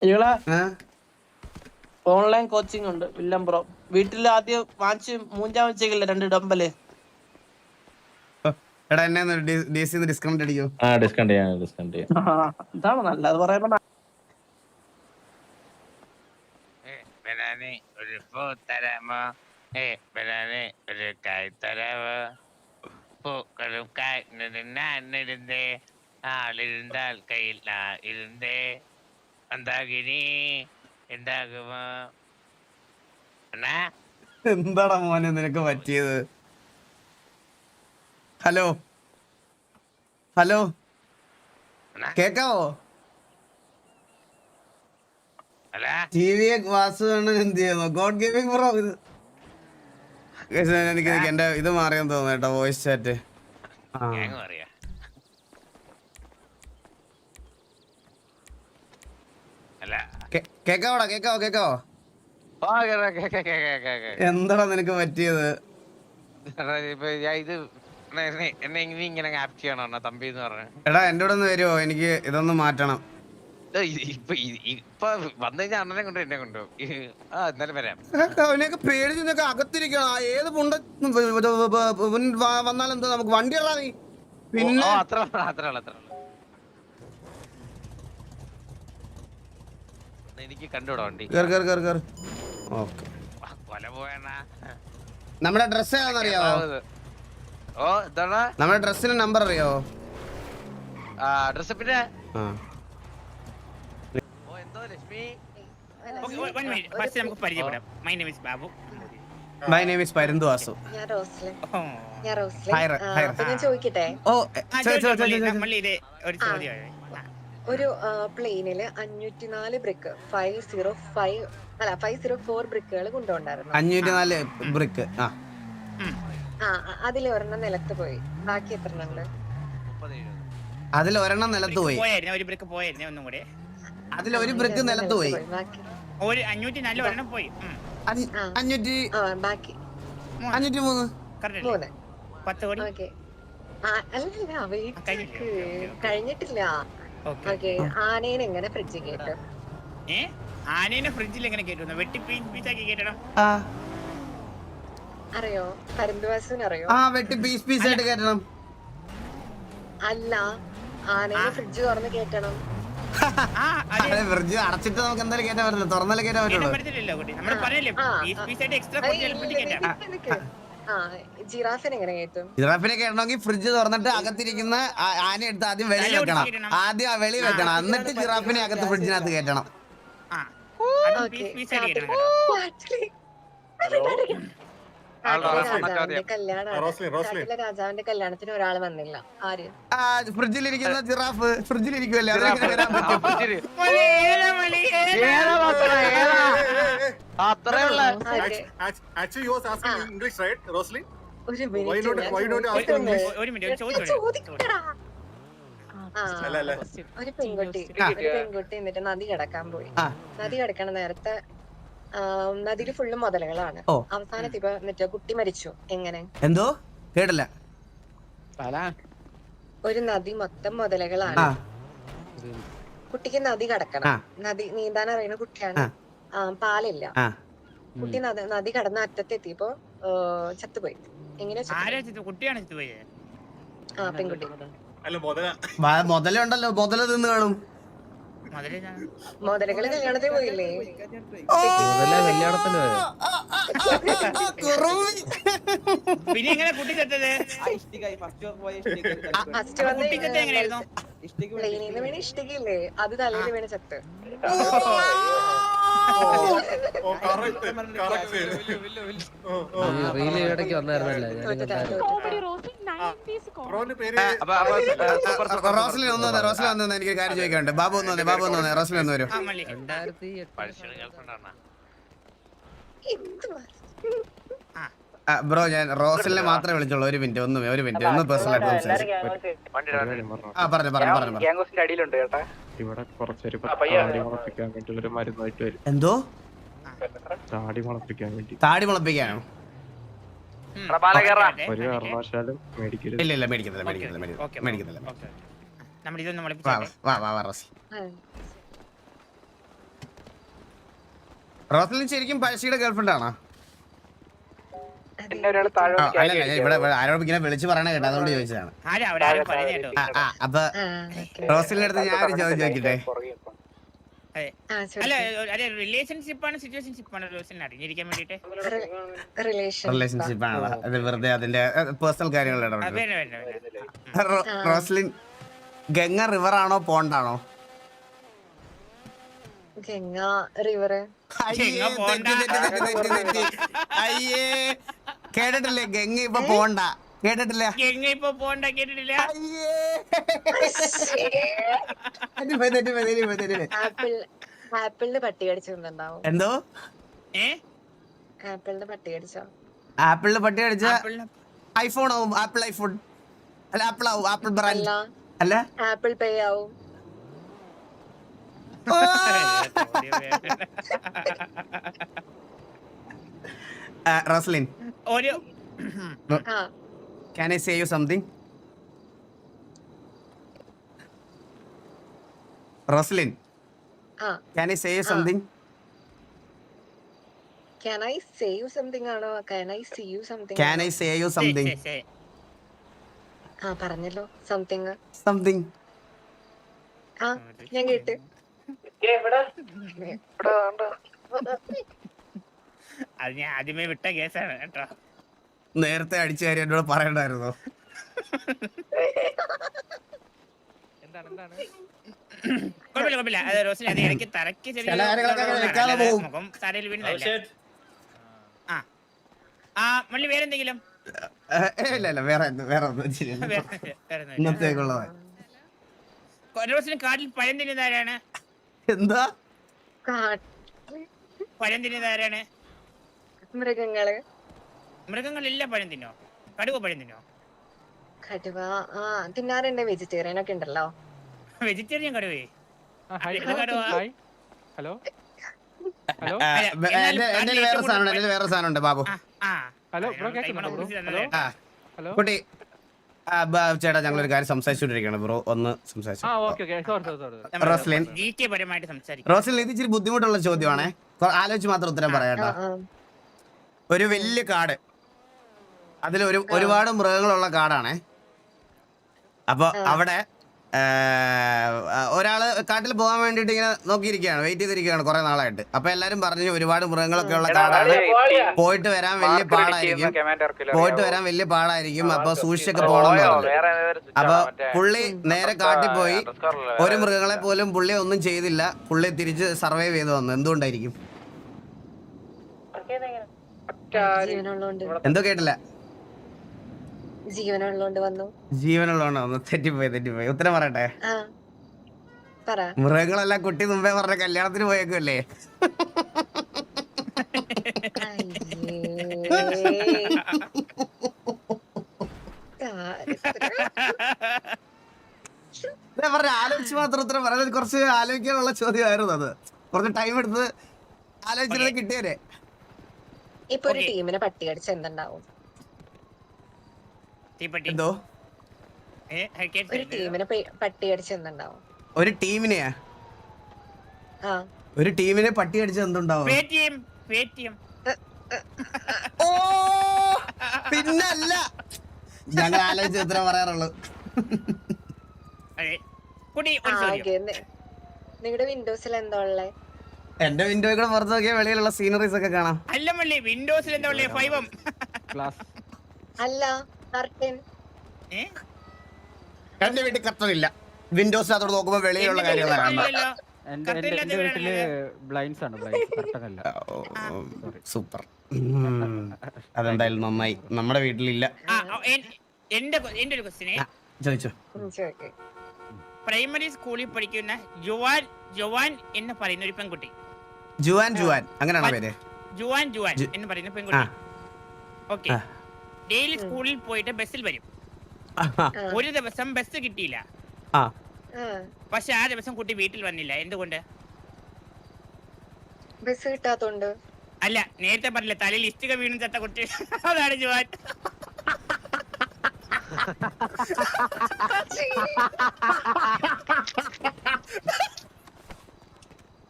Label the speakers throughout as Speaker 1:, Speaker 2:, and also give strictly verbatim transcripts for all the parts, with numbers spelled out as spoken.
Speaker 1: Online coaching ഉണ്ട് വില്ലം bro. വീട്ടിൽ ആദ്യം വാങ്ങിച്ച് മൂഞ്ചാൻ വെച്ചേക്കില്ല രണ്ട് ഡമ്പല്.
Speaker 2: എടാ എന്നെ ഡിസ്കൗണ്ട് അടിക്കോ?
Speaker 3: ആ ഡിസ്കൗണ്ട് ചെയ്യാം ഡിസ്കൗണ്ട് ചെയ്യാം.
Speaker 1: ഇതാണ് നല്ലത് പറയുമ്പോ.
Speaker 4: ഒരു പൂ തരാമോ? ഏ ബനാനെ ഒരു കായ് തരാമോ? പൂക്കളും കായ്ന്നിരുന്നേ ആളിരുന്നാൽ കയ്യിൽ ആ ഇരുന്നേ എന്താകിനി എന്താകുമോ?
Speaker 2: എന്താടാ മോനെ നിനക്ക് പറ്റിയത്? ഹലോ ഹലോ കേക്കാവോ? ടി വി വാസു എന്ത് ചെയ്യുന്നു? ഗോഡ് ഗെയിമിംഗ് ബ്രോ ഇത് എനിക്ക് എന്റെ ഇത് മാറിയെന്ന് തോന്നുന്നു കേട്ടോ, വോയിസ് ചാറ്റ്. കേക്കാവോടാ? കേക്കാവോ കേക്കാവോ? എന്താടാ നിനക്ക് പറ്റിയത്? എടാ എന്റെ കൂടെ ഒന്ന് വരുമോ? എനിക്ക് ഇതൊന്ന് മാറ്റണം.
Speaker 4: ഇപ്പൊ വന്നു കഴിഞ്ഞാൽ അണ്ണനെ കൊണ്ട് എന്നെ കൊണ്ടു എന്നാലും വരാം.
Speaker 2: അവനെയൊക്കെ പേടിച്ച് നിനക്ക് അകത്തിരിക്കണം. ഏത് പുണ്ട വന്നാലും എന്താ നമുക്ക് വണ്ടി ഇടാ നീ. പിന്നെ
Speaker 4: അത്ര അത്ര അത്ര എനിക്ക് കണ്ടുവിടാ വണ്ടി. കൊല പോയണ്ണാ.
Speaker 2: നമ്മുടെ ഡ്രസ് ഏതാണെന്നറിയാവോ?
Speaker 4: ഓ എന്താണ്
Speaker 2: നമ്മുടെ ഡ്രസ്സിന്റെ നമ്പർ അറിയാവോ?
Speaker 4: ഡ്രസ് പിന്നെ
Speaker 5: മൈ നെയിം ഈസ് പരന്തു വാസു.
Speaker 6: ഞാൻ റോസ്ലിൻ. ഞാൻ റോസ്ലിൻ. അപ്പൊ ഞാൻ ചോദിക്കട്ടെ, ഒരു പ്ലെയിനില് അഞ്ഞൂറ്റി നാല് ബ്രിക്ക് ഫൈവ് സീറോ ഫൈവ് അല്ല ഫൈവ് സീറോ ഫോർ ബ്രിക്കുകൾ കൊണ്ടുപോണ്ടായിരുന്നു.
Speaker 2: അഞ്ഞൂറ്റി നാല് ബ്രിക്ക്.
Speaker 6: ആ അതിൽ ഒരെണ്ണം നിലത്ത് പോയി. ബാക്കി എത്ര എണ്ണം ഉണ്ട്?
Speaker 2: അതിൽ ഒരെണ്ണം നിലത്ത് പോയി.
Speaker 5: ഒരു ബ്രിക്ക് പോയായിരുന്നു ഒന്നും കൂടെ.
Speaker 2: അതിൽ ഒരു ബ്രിക്ക് നിലത്ത് പോയി.
Speaker 5: ഒരു അഞ്ഞൂറ്റി നാല് ഒരെണ്ണം പോയി.
Speaker 2: അഞ്ഞൂറ്റി
Speaker 6: ബാക്കി
Speaker 2: അഞ്ഞൂറ്റി മൂന്ന്
Speaker 6: മൂന്ന്
Speaker 5: പത്ത് കോടി.
Speaker 6: ഓക്കെ അല്ലല്ല വെയിറ്റ് കഴിഞ്ഞിട്ടില്ല. ഓക്കെ ആനേനെ എങ്ങനെ ഫ്രിഡ്ജിൽ കേട്ടു?
Speaker 5: ഏ ആനേനെ ഫ്രിഡ്ജിൽ എങ്ങനെ കേട്ടു? വെട്ടി പീസാക്കി കേട്ടണം.
Speaker 6: അറിയോ? പരന്തുവാസുവിന് അറിയോ?
Speaker 2: ആ വെട്ടി പീസ് പീസ് ആയിട്ട് കേട്ടണം.
Speaker 6: അല്ല ആനേനെ ഫ്രിഡ്ജ് തുറന്ന് കേട്ടണം.
Speaker 2: ഫ്രിഡ്ജ് അടച്ചിട്ട് നമുക്ക് എന്തായാലും കേട്ടാൻ പറ്റില്ല, തുറന്നാലേ കേട്ടാൻ പറ്റുള്ളൂ.
Speaker 6: ജിറാഫിനെ എങ്ങനെ കേട്ടും?
Speaker 2: ജിറാഫിനെ കേട്ടണമെങ്കിൽ ഫ്രിഡ്ജ് തുറന്നിട്ട് അകത്തിരിക്കുന്ന ആന എടുത്ത് ആദ്യം വെളി വെക്കണം. ആദ്യം വെളി വെക്കണം, എന്നിട്ട് ജിറാഫിനെ അകത്ത് ഫ്രിഡ്ജിനകത്ത് കേട്ടണം.
Speaker 6: രാജാവിന്റെ കല്യാണത്തിന് ഒരാൾ വന്നില്ല. ആര്?
Speaker 2: ഫ്രിഡ്ജിലിരിക്കുന്ന ജിറാഫ് ഫ്രിഡ്ജിലിരിക്കുമല്ലേ, അതെങ്ങനെ വരാൻ പറ്റും?
Speaker 6: ഒരു പെൺകുട്ടി ഒരു പെൺകുട്ടി എന്നിട്ട് നദി കിടക്കാൻ പോയി. നദി കിടക്കണ നേരത്തെ നദിയില് ഫുള്ള് മുതലകളാണ്. അവസാനത്ത് ഇപ്പൊ എന്നിട്ട് കുട്ടി മരിച്ചു. എങ്ങനെ?
Speaker 2: എന്തോ കേട്ടില്ല.
Speaker 6: ഒരു നദി മൊത്തം മുതലകളാണ്. കുട്ടിക്ക് നദി കടക്കണം. നദി നീന്താൻ അറിയുന്ന കുട്ടിയാണ്. പാലില്ല. കുട്ടി നദി കടന്ന അറ്റത്തെത്തിയപ്പോ ചത്തുപോയി. എങ്ങനെ? ആ പെൺകുട്ടി.
Speaker 2: മുതലുണ്ടല്ലോ, മുതല തിന്ന് കാണും.
Speaker 6: മുതലകള് കല്യാണത്തിന് പോയില്ലേ?
Speaker 5: പിന്നെ എങ്ങനെ കുട്ടി ചത്തത്?
Speaker 6: ഫസ്റ്റ് വന്ന് പ്ലെയിനിൽ നിന്ന് വീണ് ഇഷ്ടികയില്ലേ, അത് തലയിൽ വീണ് ചത്ത്.
Speaker 2: റോസ്ലിൻ ഒന്ന് വന്നേ, റോസ്ലിൻ വന്നു. എനിക്ക് കാര്യം ചോദിക്കാനുണ്ട്. ബാബു ഒന്ന് വന്നേ, ബാബു ഒന്ന് വന്നേ, റോസ്ലിൻ ഒന്ന് വരും. ബ്രോ ഞാൻ റോസ്ലിനെ മാത്രമേ വിളിച്ചോളൂ. ഒരു മിനിറ്റ് ഒന്ന് ഒരു മിനിറ്റ് ഒന്ന് പേഴ്സണൽ ആയിട്ട് സംസാരിച്ചു. ആ പറഞ്ഞു പറഞ്ഞു പറഞ്ഞു.
Speaker 7: ഇവിടെ കുറച്ചൊരു താടി മുളപ്പിക്കാൻ വേണ്ടി ഒരു മരുന്നായിട്ട് വരും.
Speaker 2: എന്തോ
Speaker 7: താടി മുളപ്പിക്കാൻ വേണ്ടി?
Speaker 2: താടി മുളപ്പിക്കാനോ?
Speaker 7: ഒരു കാരണവശാലും മേടിക്കരുത്.
Speaker 2: ഇല്ല ഇല്ല മേടിക്കുന്നില്ല മേടിക്കുന്നില്ല മേടിക്കുന്നില്ല. വാ വാ വാ റോസി. റോസ്ലിൻ ശരിക്കും പഴശ്ശിയുടെ ഗേൾഫ്രണ്ട് ആണോ?
Speaker 6: അതെ.
Speaker 2: ആ, അല്ലല്ല ഞാൻ ഇവിടെ ഇവിടെ ആരോടും ഇങ്ങനെ വിളിച്ച് പറയണ കേട്ടോ, അതുകൊണ്ട് ചോദിച്ചതാണ്.
Speaker 5: ആരാ അവരാരും പറയുന്നത് കേട്ടോ.
Speaker 2: ആ ആ അപ്പൊ
Speaker 6: ആ, okay.
Speaker 2: റോസ്ലിന്റെ അടുത്ത് ഞാൻ ഒരു ചോദ്യം ചോദിക്കട്ടെ.
Speaker 5: അതെ.
Speaker 6: ആ,
Speaker 5: അല്ല
Speaker 6: ചോദിക്ക്.
Speaker 5: അതെ റിലേഷൻഷിപ്പ് ആണ് സിറ്റുവേഷൻഷിപ്പ് ആണ് റോസിനെ അറിഞ്ഞിരിക്കാൻ വേണ്ടിട്ട്.
Speaker 6: Re- relation.
Speaker 2: റിലേഷൻഷിപ്പ് ആണോ? അത് വെറുതെ അതിന്റെ പേഴ്സണൽ കാര്യങ്ങൾ
Speaker 5: വേണ്ട
Speaker 2: ഇടപെടും.
Speaker 5: വേണ്ട വേണ്ട.
Speaker 2: റോ- റോസ്ലിൻ ഗംഗ റിവർ ആണോ പോണ്ട് ആണോ?
Speaker 6: ഗംഗ റിവർ.
Speaker 2: അയ്യേ,
Speaker 5: ഗംഗ പോണ്ട.
Speaker 2: തെറ്റി, തെറ്റി, തെറ്റി, തെറ്റി, തെറ്റി. അയ്യേ കേട്ടിട്ടില്ലേ ഗംഗ ഇപ്പൊ പോണ്ട കേട്ടിട്ടില്ല.
Speaker 5: എങ്ങ ഇപ്പൊ പോണ്ട കേട്ടിട്ടില്ല.
Speaker 2: അയ്യേ തെറ്റിപ്പോയി, തെറ്റിപ്പോയി, തെറ്റിപ്പോയി, തെറ്റിപ്പോയി.
Speaker 6: ആപ്പിൾ ആപ്പിളിന് പട്ടി കടിച്ചിട്ടുണ്ടാവും.
Speaker 2: എന്തോ
Speaker 5: ഏ
Speaker 6: ആപ്പിളിന് പട്ടി കടിച്ചോ?
Speaker 2: ആപ്പിളിന് പട്ടി അടിച്ച
Speaker 5: ആപ്പിളിന്
Speaker 2: ഐഫോൺ ആവും. ആപ്പിൾ ഐഫോൺ അല്ല, ആപ്പിൾ ആവും. ആപ്പിൾ ബ്രാൻഡ്
Speaker 6: അല്ല,
Speaker 2: അല്ല.
Speaker 6: ആപ്പിൾ പേ ആവും.
Speaker 2: ഓ! ആ, റോസ്ലിൻ
Speaker 5: ഒരു
Speaker 6: ആ,
Speaker 2: can I say you something? Roslin
Speaker 6: ആ.
Speaker 2: can I say you something?
Speaker 6: Can I say you something ആണോ? Can I see you something?
Speaker 2: can I say you something?
Speaker 5: ശരി, ശരി.
Speaker 6: ആ, പറഞ്ഞല്ലോ സംതിങ്.
Speaker 2: something
Speaker 6: ആ, ഞാൻ കേട്ട്.
Speaker 5: അത് ഞാൻ ആദ്യമേ വിട്ട കേസാണ് കേട്ടോ.
Speaker 2: നേരത്തെ അടിച്ച കാര്യം എന്നോട് പറയണ്ടായിരുന്നോ?
Speaker 5: കുഴപ്പമില്ല കുഴപ്പമില്ല. അത് റോസിന് അത് ഇടയ്ക്ക് തറയ്ക്ക് ചെറിയ
Speaker 2: ചില കാര്യങ്ങളൊക്കെ അങ്ങനെ വെക്കാതെ
Speaker 5: അല്ലാതെ
Speaker 2: പോകും.
Speaker 5: മുഖം തറയിൽ വീണതല്ല. ആ ആ മള്ളി വേറെന്തെങ്കിലും
Speaker 2: ഏ, ഇല്ല ഇല്ല വേറെ ഒന്നും- വേറെ ഒന്നും ശരിയല്ല.
Speaker 5: വേറെ വേറൊന്നുമില്ല.
Speaker 2: ഇന്നത്തേക്കുള്ളതാ.
Speaker 5: റോസിന് കാട്ടിൽ പഴം തിന്നുന്നതാരാണ്?
Speaker 2: എന്താ
Speaker 6: കാ-
Speaker 5: പഴം തിന്നുന്നതാരാണ്?
Speaker 6: മൃഗങ്ങള്.
Speaker 5: മൃഗങ്ങളെല്ലാം പഴം തിന്നോ? കടുവ പഴം തിന്നോ?
Speaker 6: കടുവ ആ തിന്നാറുണ്ട്. വെജിറ്റേറിയൻ ഒക്കെ ഉണ്ടല്ലോ.
Speaker 5: വെജിറ്റേറിയൻ കടുവേ?
Speaker 7: ഹലോ
Speaker 2: ആ,
Speaker 7: ഹലോ
Speaker 2: വേ- എന്റെ എന്റെ വേറെ സാധനം ഉണ്ട്. എന്റെ വേറെ സാധനം ഉണ്ട് ബാബു.
Speaker 5: ആ, ആ.
Speaker 7: ഹലോ, ബ്രോ
Speaker 5: അതിനാണ്
Speaker 7: കേൾക്കുന്നുണ്ടോ
Speaker 5: ടൈമർ
Speaker 7: ബ്രോ?
Speaker 5: കുറിച്ച് തന്നത്.
Speaker 2: ആ
Speaker 7: ഹലോ
Speaker 2: കുട്ടി ആ, ബ- ചേട്ടാ ഞങ്ങൾ ഒരു കാര്യം സംസാരിച്ചുകൊണ്ടിരിക്കുകയാണ് ബ്രോ, ഒന്ന് സംസാരിച്ചു.
Speaker 7: ആ okay okay sorry sorry sorry
Speaker 5: നമ്മൾ
Speaker 2: റോസ്ലിൻ.
Speaker 5: ജി കെ പരമായിട്ട് സംസാരിക്കും.
Speaker 2: റോസ്ലിൻ ഇത് ഇച്ചിരി ബുദ്ധിമുട്ടുള്ള ചോദ്യമാണേ, കൊ- ആലോചിച്ച് മാത്രം ഉത്തരം
Speaker 6: ആ,
Speaker 2: പറയാട്ടോ.
Speaker 6: ആ.
Speaker 2: ഒരു വലിയ കാട്, അതിൽ ഒരു ഒരുപാട് മൃഗങ്ങളുള്ള കാടാണേ. അപ്പൊ അവിടെ ആ, ഒരാള് കാട്ടിൽ പോകാൻ വേണ്ടിട്ട് ഇങ്ങനെ നോക്കിയിരിക്കുകയാണ്, വെയിറ്റ് ചെയ്തിരിക്കുകയാണ് കുറെ നാളായിട്ട്. അപ്പൊ എല്ലാരും പറഞ്ഞു ഒരുപാട് മൃഗങ്ങളൊക്കെ ഉള്ള കാടാണ്, പോയിട്ട് വരാൻ വലിയ പാടായിരിക്കും, പോയിട്ട് വരാൻ വലിയ പാടായിരിക്കും, അപ്പൊ സൂക്ഷിച്ചൊക്കെ പോകണം എന്ന് പറഞ്ഞു. അപ്പൊ പുള്ളി നേരെ കാട്ടിൽ പോയി, ഒരു മൃഗങ്ങളെ പോലും പുള്ളി ഒന്നും ചെയ്തില്ല, പുള്ളി തിരിച്ച് സർവൈവ് ചെയ്ത് വന്നു. എന്തുകൊണ്ടായിരിക്കും?
Speaker 6: ജീവനുള്ളോണ്ട്
Speaker 2: എന്തോ കേട്ടില്ല.
Speaker 6: ജീവനുള്ളോണ്ട് വന്നു.
Speaker 2: ജീവനുള്ളതാണോ? തെറ്റിപ്പോയി, തെറ്റിപ്പോയി. ഉത്തരം പറയട്ടെ.
Speaker 6: ആ, പറ.
Speaker 2: മൃഗങ്ങളെല്ലാം കുട്ടി മുമ്പേ പറഞ്ഞ കല്യാണത്തിന് പോയേക്കല്ലേ. പറഞ്ഞ ആലോചിച്ച് മാത്രം ഉത്തരം പറയുന്നത്, കുറച്ച് ആലോചിക്കാനുള്ള ചോദ്യമായിരുന്നു അത്. കുറച്ച് ടൈം എടുത്ത് ആലോചിച്ചിരുന്നത് കിട്ടിയതേ.
Speaker 6: ഇപ്പൊ ഒരു ടീമിനെ പട്ടി കടിച്ച എന്തുണ്ടാവും?
Speaker 5: തീപ്പെട്ടി.
Speaker 2: എന്തോ
Speaker 5: ഏ, കേട്ടില്ല.
Speaker 6: ഒരു ടീമിനെ പെ- പട്ടി കടിച്ച എന്തുണ്ടാവും?
Speaker 2: ഒരു ടീമിനെയാ
Speaker 6: ആ,
Speaker 2: ഒരു ടീമിനെ പട്ടി അടിച്ച് എന്തുണ്ടാവും?
Speaker 5: Paytm, Paytm.
Speaker 2: ഓ പിന്നല്ല, ഞങ്ങൾ ആലോചിച്ച് ഉത്തരം പറയാറുള്ളൂ.
Speaker 5: അതെ. കുട്ടി ഒരു
Speaker 6: ആ,
Speaker 5: ചോദ്യം.
Speaker 6: ഓക്കേ. നി- നിങ്ങളുടെ വിൻഡോസിൽ എന്താ ഉള്ളേ?
Speaker 2: എന്റെ വിൻഡോയിൽ കൂടെ പുറത്ത് നോക്കിയാൽ വെളിയിലുള്ള സീനറീസ് ഒക്കെ കാണാം.
Speaker 5: അല്ല മള്ളി വിൻഡോസിൽ എന്താ ഉള്ളേ? ഫൈവം.
Speaker 7: ക്ലാസ്
Speaker 6: അല്ല, കർട്ടൻ.
Speaker 5: ഏ?
Speaker 2: എന്റെ വീട്ടിൽ കർട്ടനില്ല, വിൻഡോസ് അതോട് നോക്കുമ്പോ വെളിയിലുള്ള കാര്യങ്ങളാണ് കാണുന്നത്.
Speaker 5: ഇല്ലല്ലോ.
Speaker 7: എന്റെ എന്റെ എന്റെ വീട്ടില് ബ്ലൈൻഡ്സ് ആണ്, ബ്ലൈൻഡ്സ് കർട്ടനല്ല.
Speaker 2: സൂപ്പർ, അതെന്തായാലും നന്നായി. നമ്മുടെ വീട്ടിലില്ല.
Speaker 5: ആ, ആ, എൻ- എന്റെ എന്റെ ഒരു ക്വസ്റ്റിനെ,
Speaker 2: ആ, ചോദിച്ചോ.
Speaker 6: ഉം, ചോദിക്ക്.
Speaker 5: പ്രൈമറി സ്കൂളിൽ പഠിക്കുന്ന ജുവാൻ ജുവാൻ എന്ന് പറയുന്ന ഒരു പെൺകുട്ടി,
Speaker 2: ജുവാൻ ജുവാൻ അങ്ങനെയാണോ പേര്?
Speaker 5: ജുവാൻ ജുവാൻ
Speaker 2: ജു-
Speaker 5: എന്ന് പറയുന്ന പെൺകുട്ടി, ഓക്കെ,
Speaker 2: ആ.
Speaker 5: ഡെയിലി സ്കൂളിൽ പോയിട്ട് ബസ്സിൽ വരും.
Speaker 2: ആ,
Speaker 5: ഒരു ദിവസം ബസ് കിട്ടിയില്ല,
Speaker 2: ആ.
Speaker 6: ആ,
Speaker 5: പക്ഷെ ആ ദിവസം കുട്ടി വീട്ടിൽ വന്നില്ല. എന്തുകൊണ്ട്?
Speaker 6: ബസ് കിട്ടാത്തോണ്ട്.
Speaker 5: അല്ല, നേരത്തെ പറഞ്ഞില്ല തലയിൽ ഇഷ്ടിക വീണു ചത്ത കുട്ടി. അതാണ് ജുവാൻ.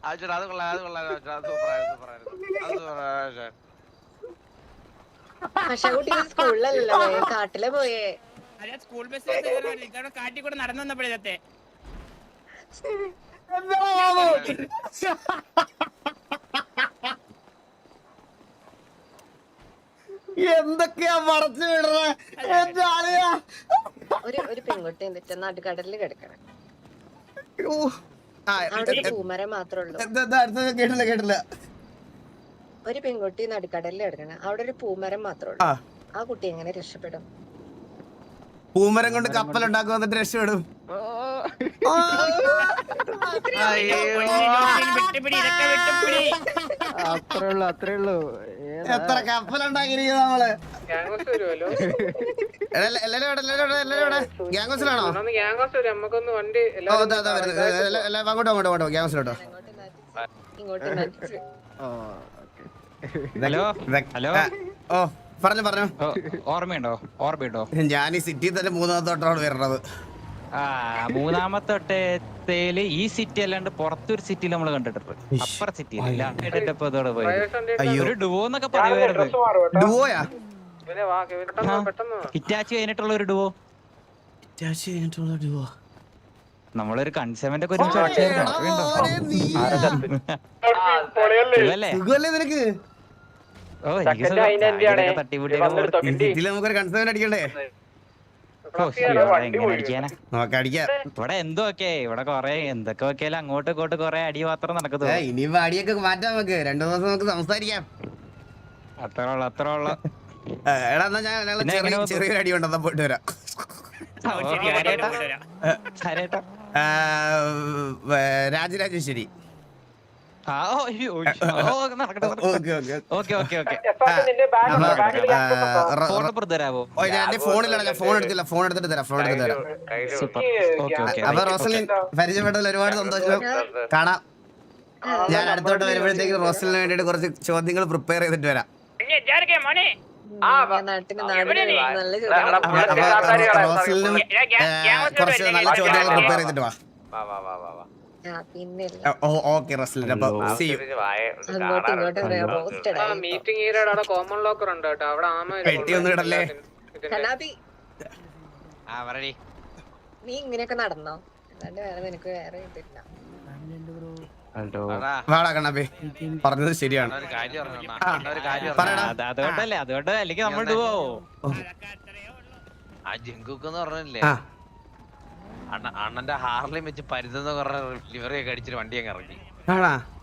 Speaker 4: അത് ചേട്ടാ അത് കൊള്ളാം അത് കൊള്ളാം അത് സൂപ്പറായിരുന്നു സൂപ്പറായിരുന്നു അത് സൂപ്പറായിരുന്നു
Speaker 6: പക്ഷെ കുട്ടി സ്കൂളിലല്ലോ പോയെ, കാട്ടിലെ പോയേ.
Speaker 5: അല്ല സ്കൂൾ ബസ് ഇതവിടെ കാട്ടി കൂടെ നടന്നു വന്നപ്പോഴത്തെ
Speaker 2: എന്തൊക്കെയാ മറച്ചു വിടുന്നത്?
Speaker 6: ഒരു ഒരു പെൺകുട്ടി എന്നിട്ട് നടുക്കടലിൽ കിടക്കണം. അവിടെ ഒരു പൂമരം മാത്രമേ ഉള്ളൂ.
Speaker 2: കേട്ടില്ല കേട്ടില്ല.
Speaker 6: ഒരു പെൺകുട്ടി നടുക്കടലിൽ കിടക്കണം, അവിടെ ഒരു പൂമരം മാത്രമേ ഉള്ളൂ. ആ കുട്ടി എങ്ങനെ രക്ഷപ്പെടും?
Speaker 2: പൂമരം കൊണ്ട് കപ്പൽ ഉണ്ടാക്കും, എന്നിട്ട് രക്ഷപ്പെടും.
Speaker 7: അത്രേ ഉള്ളു അത്രേ ഉള്ളു.
Speaker 2: എത്ര കപ്പൽ ഉണ്ടാക്കിയിരിക്കുന്നത് നമ്മള്. ഗ്യാങ്സിലാണോ? അങ്ങോട്ടോ അങ്ങോട്ടോ അങ്ങോട്ടോ ഗ്യാങ്സിലോട്ടോ.
Speaker 6: ഇങ്ങോട്ട്
Speaker 8: ഹലോ ഹലോ
Speaker 2: ഓ പറഞ്ഞു പറഞ്ഞു.
Speaker 8: ഓർമ്മയുണ്ടോ ഓർമ്മയുണ്ടോ?
Speaker 2: ഞാൻ ഈ സിറ്റിയിൽ തന്നെ മൂന്നാമത്തോട്ടാണ് വരുന്നത്.
Speaker 8: ആ മൂന്നാമത്തെ ഒട്ടേല് ഈ സിറ്റി അല്ലാണ്ട് പുറത്തൊരു സിറ്റിയിൽ നമ്മൾ കണ്ടിട്ടുണ്ട്. അപ്പുറ സിറ്റിയിൽ ഒരു ഡുവോ എന്നൊക്കെ പറയുമായിരുന്നു.
Speaker 2: ഡുവോയാ?
Speaker 8: ഹിറ്റാച്ചി കഴിഞ്ഞിട്ടുള്ള ഒരു ഡുവോ. നമ്മളൊരു കൺസെവന്റ് ഒക്കെ ഒരുമിച്ച്
Speaker 2: നിനക്ക്
Speaker 8: ഓ എനിക്ക് തട്ടിമുട്ടി
Speaker 2: നമുക്കൊരു കൺസേൺ അടിക്കണ്ടേ? നോക്ക അടിക്കാം.
Speaker 8: ഇവിടെ എന്തോ ഒക്കെ ഇവിടെ കൊറേ എന്തൊക്കെ വെക്കാലും അങ്ങോട്ടും ഇങ്ങോട്ടും കൊറേ അടി മാത്രം നടക്കുന്നു.
Speaker 2: ഇനിയിപ്പോ അടിയൊക്കെ മാറ്റാം, നമുക്ക് രണ്ടു ദിവസം നമുക്ക് സംസാരിക്കാം.
Speaker 8: അത്ര ഉള്ള അത്ര ഉള്ള
Speaker 2: എടാ എന്നാ ഞാൻ ചെറിയ ചെറിയൊരു അടി ഉണ്ടെന്നാ പോയിട്ട് വരാം. രാജരാജേശ്വരി. ഫോണിലാണ്, ഫോൺ എടുത്തില്ല, ഫോൺ എടുത്തിട്ട് തരാം, ഫോൺ എടുത്തിട്ട് തരാം. അപ്പൊ റോസലിൻ പരിചയപ്പെട്ടതിൽ ഒരുപാട് സന്തോഷം. കാണാം. ഞാൻ അടുത്തോട്ട് വരുമ്പോഴത്തേക്ക് റോസലിന് വേണ്ടിട്ട് കുറച്ച് ചോദ്യങ്ങൾ പ്രിപ്പയർ ചെയ്തിട്ട് വരാം.
Speaker 6: നാട്ടിന് നാടിന് നല്ല
Speaker 2: റോസലിനും കുറച്ച് നല്ല ചോദ്യങ്ങൾ പ്രിപ്പയർ ചെയ്തിട്ട് വാ.
Speaker 6: പിന്നെ
Speaker 2: ഓക്കെ റോസലിൻ, അപ്പൊ സീ യു.
Speaker 6: അങ്ങോട്ടും ഇങ്ങോട്ടും റോസ്റ്റഡ് ആയി.
Speaker 9: മീറ്റിംഗ് ഏരിയയുടെ അവിടെ കോമൺ ലോക്കർ ഉണ്ട് കേട്ടോ, അവിടെ ആമ
Speaker 2: പെട്ടി ഒന്നും ഇടല്ലേ?
Speaker 6: കനാബി
Speaker 4: ആ പറയടി.
Speaker 6: നീ ഇങ്ങനെയൊക്കെ നടന്നോ? അല്ലാണ്ട് വേറെ നിനക്ക് വേറെ ഇതില്ല.
Speaker 2: വാടാ കണ്ണാപ്പി, പറഞ്ഞത് ശരിയാണ്.
Speaker 4: ഒരു കാര്യം പറഞ്ഞോ അണ്ണാ, ഒരു കാര്യം
Speaker 2: പറയടാ.
Speaker 8: അതുകൊണ്ടല്ലേ അതുകൊണ്ട് അല്ലെങ്കിൽ നമ്മൾ ഡുവോ.
Speaker 4: ആ ജിങ്കുക്ക് എന്ന് പറഞ്ഞില്ലേ അണ്ണ അണ്ണന്റെ ഹാർലിയും വെച്ച് പരുതെന്ന് പറഞ്ഞ ലിവറി ഒക്കെ അടിച്ചിട്ട് വണ്ടി അങ്ങ് ഇറങ്ങി.
Speaker 2: ആണാ?